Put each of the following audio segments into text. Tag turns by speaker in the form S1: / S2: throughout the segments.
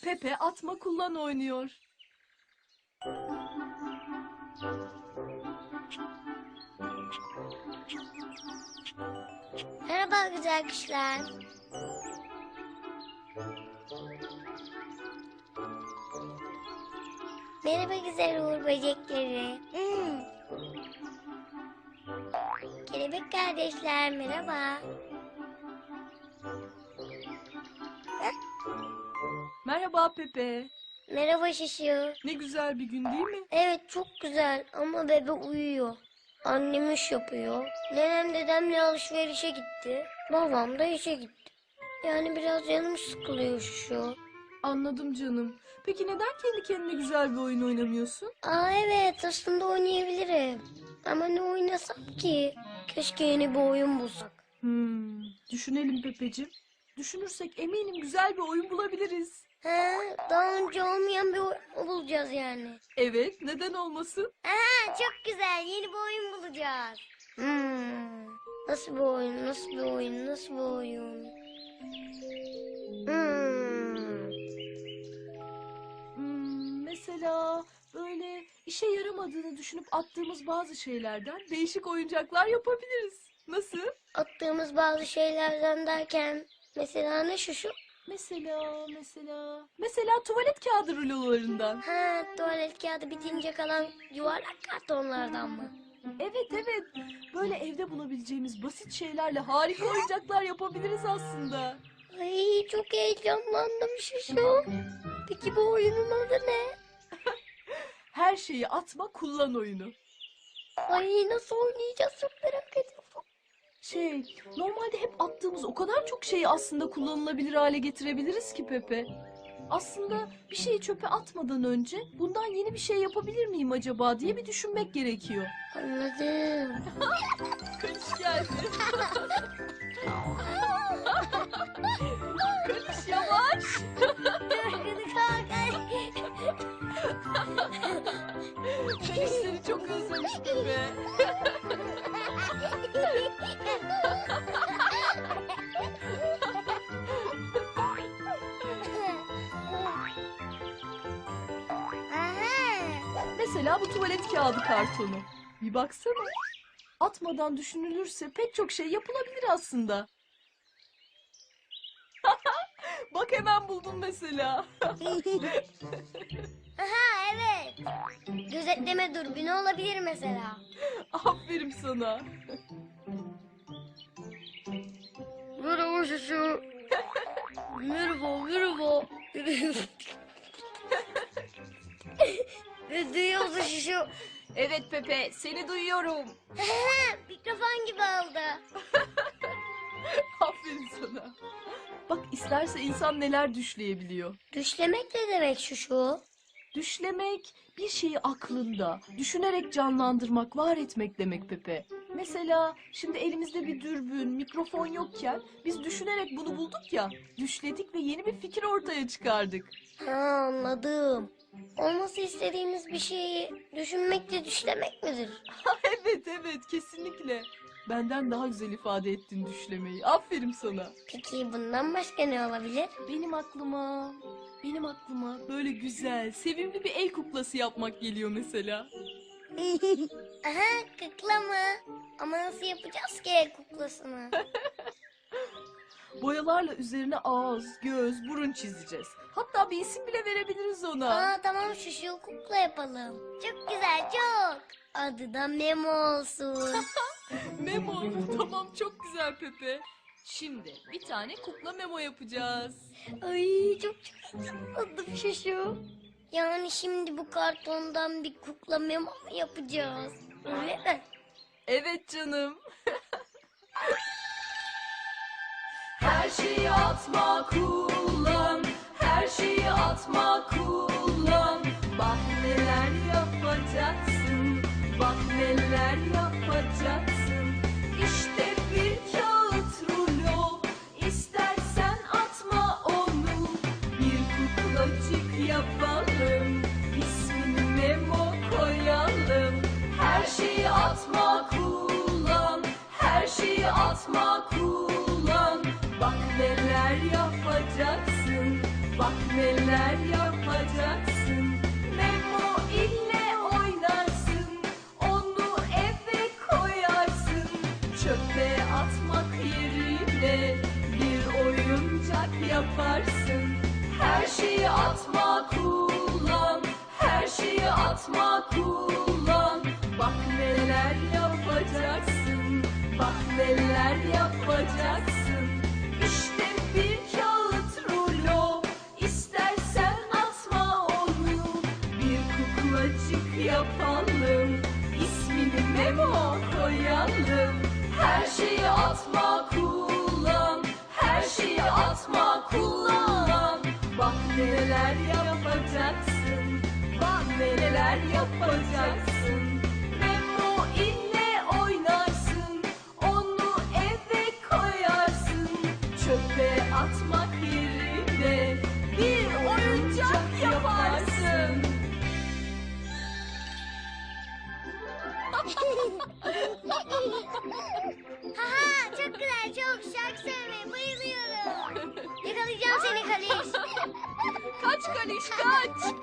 S1: Pepe atma kullan oynuyor.
S2: Merhaba güzel kuşlar. Merhaba güzel uğur böcekleri. Kelebek kardeşler merhaba.
S1: Merhaba Pepe.
S2: Merhaba Şişu.
S1: Ne güzel bir gün değil mi?
S2: Evet çok güzel ama bebe uyuyor. Annem iş yapıyor. Nenem dedemle alışverişe gitti. Babam da işe gitti. Yani biraz canım sıkılıyor Şişu.
S1: Anladım canım. Peki neden kendi kendine güzel bir oyun oynamıyorsun?
S2: Aa evet aslında oynayabilirim. Ama ne oynasam ki? Keşke yeni bir oyun bulsak.
S1: Düşünelim Pepeciğim. Düşünürsek eminim güzel bir oyun bulabiliriz.
S2: Ha, daha önce olmayan bir oyun bulacağız yani.
S1: Evet, neden olmasın?
S2: Aa, çok güzel yeni bir oyun bulacağız. Nasıl bir oyun, nasıl bir oyun, nasıl bir oyun?
S1: Mesela böyle işe yaramadığını düşünüp attığımız bazı şeylerden değişik oyuncaklar yapabiliriz. Nasıl?
S2: Attığımız bazı şeylerden derken mesela ne şu?
S1: Mesela tuvalet kağıdı rulolarından.
S2: Ha, tuvalet kağıdı bitince kalan yuvarlak kartonlardan mı?
S1: Evet. Böyle evde bulabileceğimiz basit şeylerle harika oyuncaklar yapabiliriz aslında.
S2: Ay çok heyecanlandım Şuşu. Peki bu oyunun adı ne?
S1: Her şeyi atma kullan oyunu.
S2: Ay nasıl oynayacağız çok merak ediyorum.
S1: Normalde hep attığımız o kadar çok şeyi aslında kullanılabilir hale getirebiliriz ki Pepe. Aslında bir şeyi çöpe atmadan önce bundan yeni bir şey yapabilir miyim acaba diye bir düşünmek gerekiyor.
S2: Anladım.
S1: Kaliş geldi. Kaliş yavaş. Kaliş seni çok özlemiş Pepe. Mesela bu tuvalet kağıdı kartonu. Bir baksana. Atmadan düşünülürse pek çok şey yapılabilir aslında. Bak hemen buldum mesela.
S2: Aha evet. Gözetleme dürbünü olabilir mesela.
S1: Aferin sana.
S2: Merhaba Şuşu. Merhaba. Duyuyor musun Şuşu?
S1: Evet Pepe, seni duyuyorum.
S2: Mikrofon gibi oldu.
S1: Aferin sana. Bak isterse insan neler düşleyebiliyor.
S2: Düşlemek ne demek Şuşu?
S1: Düşlemek bir şeyi aklında, düşünerek canlandırmak, var etmek demek Pepe. Mesela şimdi elimizde bir dürbün, mikrofon yokken biz düşünerek bunu bulduk ya, düşledik ve yeni bir fikir ortaya çıkardık.
S2: Ha anladım. Olması istediğimiz bir şeyi düşünmek de düşlemek midir?
S1: Evet kesinlikle. Benden daha güzel ifade ettin düşlemeyi. Aferin sana.
S2: Peki bundan başka ne olabilir?
S1: Benim aklıma böyle güzel, sevimli bir el kuklası yapmak geliyor mesela.
S2: Aha kukla mı? Ama nasıl yapacağız ki el kuklasını?
S1: Boyalarla üzerine ağız, göz, burun çizeceğiz. Hatta bir isim bile verebiliriz ona.
S2: Aa tamam şu kukla yapalım. Çok güzel çok. Adı da Memo olsun.
S1: Memo. Tamam çok güzel Pepe. Şimdi bir tane kukla Memo yapacağız.
S2: Ay çok heyecanlandım şu. Yani şimdi bu kartondan bir kukla Memo mu yapacağız? Öyle mi?
S1: Evet canım. Her şeyi atma kullan, her şeyi atma kullan. Bak neler yapacaksın, bak neler yapacaksın. İşte bir kağıt rulo, istersen atma onu. Bir kuklacık yapalım, ismini Memo koyalım. Her şeyi atma kullan, her şeyi atma kullan. Bak neler yapacaksın, bak neler yapacaksın. Memo ile oynarsın, onu eve koyarsın. Çöpe atmak yerine bir oyuncak yaparsın. Her şeyi atma kullan, her şeyi atma kullan. Bak neler yapacaksın, bak neler yapacaksın. İşte bir kağıt rulo, istersen atma onu. Bir kuklacık yapalım, ismini Memo koyalım. Her şeyi atma kullan, her şeyi atma kullan. Bak neler yapacaksın, bak neler yapacaksın. Memo ile oynarsın, onu eve koyarsın. Çöpe atmak yerine bir oyuncak yaparsın.
S2: Haha, çok güzel, çok şarkı söylemeye bayılıyorum. Yakalayacağım seni Kaliş.
S1: Kaç Kaliş kaç.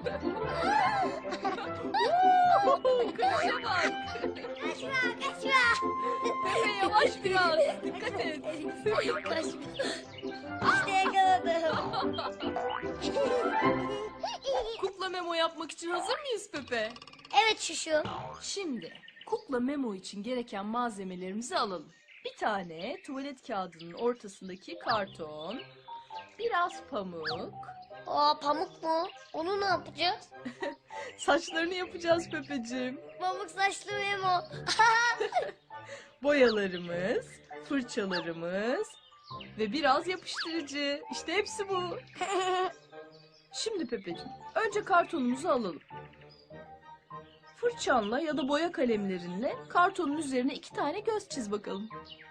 S1: Kışa bak.
S2: Kaçma, kaçma.
S1: Pepe yavaş biraz. Dikkat et.
S2: Kaçma. İşte yakaladım.
S1: Kukla Memo yapmak için hazır mıyız Pepe?
S2: Evet Şuşu.
S1: Şimdi kukla Memo için gereken malzemelerimizi alalım. Bir tane tuvalet kağıdının ortasındaki karton, biraz pamuk,
S2: Aa, pamuk mu? Onu ne yapacağız?
S1: saçlarını yapacağız Pepeciğim.
S2: Pamuk saçlı Memo.
S1: Boyalarımız, fırçalarımız ve biraz yapıştırıcı. İşte hepsi bu. Şimdi Pepeciğim, önce kartonumuzu alalım. Fırçanla ya da boya kalemlerinle kartonun üzerine 2 tane göz çiz bakalım.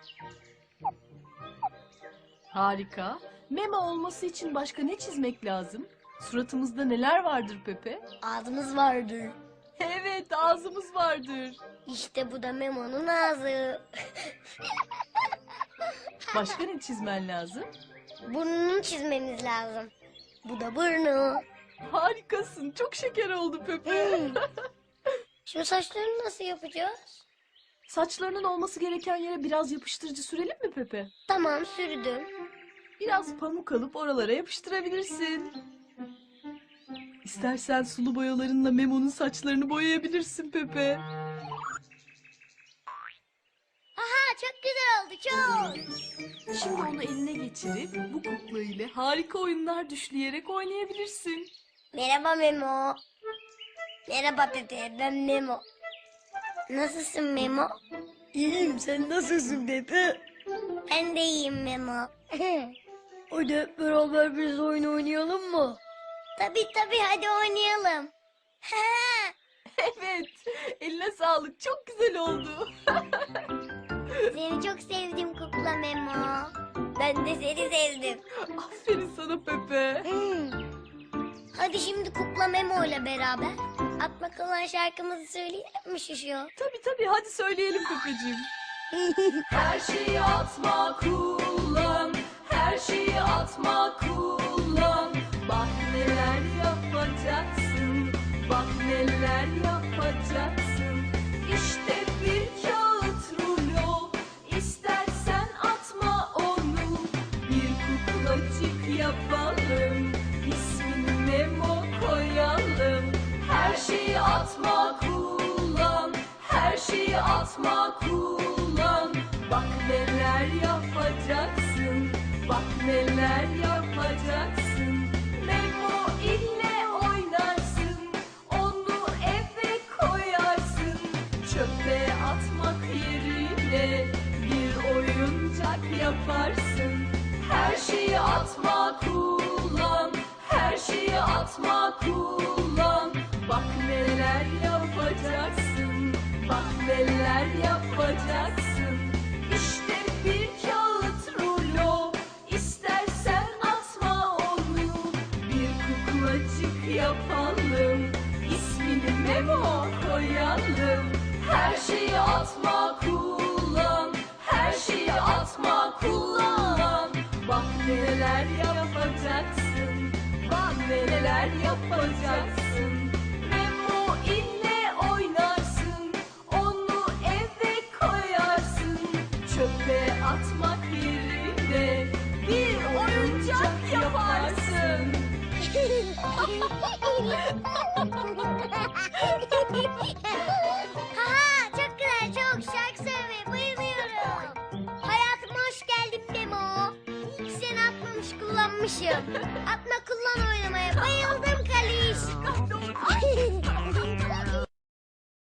S1: Harika. Memo olması için başka ne çizmek lazım? Suratımızda neler vardır Pepe?
S2: Ağzımız vardır.
S1: Evet, ağzımız vardır.
S2: İşte bu da Memo'nun ağzı.
S1: Başka ne çizmen lazım?
S2: Burnunu çizmemiz lazım. Bu da burnu.
S1: Harikasın. Çok şeker oldu Pepe.
S2: Şimdi saçlarını nasıl yapacağız?
S1: Saçlarının olması gereken yere biraz yapıştırıcı sürelim mi Pepe?
S2: Tamam, sürdüm.
S1: Biraz pamuk alıp oralara yapıştırabilirsin. İstersen sulu boyalarınla Memo'nun saçlarını boyayabilirsin Pepe.
S2: Aha, çok güzel oldu, çok.
S1: Şimdi onu eline geçirip bu kukla ile harika oyunlar düşleyerek oynayabilirsin.
S2: Merhaba Memo. Merhaba Pepe, ben Memo. Nasılsın Memo?
S3: İyiyim, sen nasılsın Pepe?
S2: Ben de iyiyim Memo.
S3: Hadi hep beraber biz oyun oynayalım mı?
S2: Tabii hadi oynayalım.
S1: Evet, eline sağlık. Çok güzel oldu.
S2: Seni çok sevdim kukla Memo. Ben de seni sevdim.
S1: Aferin sana Pepe.
S2: Hadi şimdi kukla Memo ile beraber atma kalan şarkımızı söyleyelim mi Şuşu?
S1: Tabii hadi söyleyelim Pepeciğim. Her şeyi atma kullan, her şeyi atma kullan. Bak neler yapacaksın, bak neler yapacaksın. İşte bir kağıt rulo, istersen atma onu. Bir kuklacık yapalım, ismini Memo koyalım. Her şeyi atma kullan, her şeyi atma kullan. Bak neler yapacaksın, bak neler yapacaksın. Memo ile oynarsın, onu eve koyarsın. Çöpe atmak yerine bir oyuncak yaparsın. Her şeyi atma kullan, her şeyi atma kullan. Bak neler yapacaksın, bak neler yapacaksın. İşte bir kağıt rulo, istersen atma onu. Bir kuklacık yapalım, ismini Memo koyalım. Her şeyi atma kullan, her şeyi atma kullan. Bak neler yapacaksın, bak şeyler yapacaksın. Memo ile oynarsın, onu eve koyarsın. Çöpe atmak yerine bir oyuncak yaparsın.
S2: Haha, çok güzel, çok şarkı söylemeye bayılıyorum. Hayatıma hoş geldin Memo. İyi ki seni atmamış kullanmışım. Atma kullan oynamaya bayıldım Kaliş.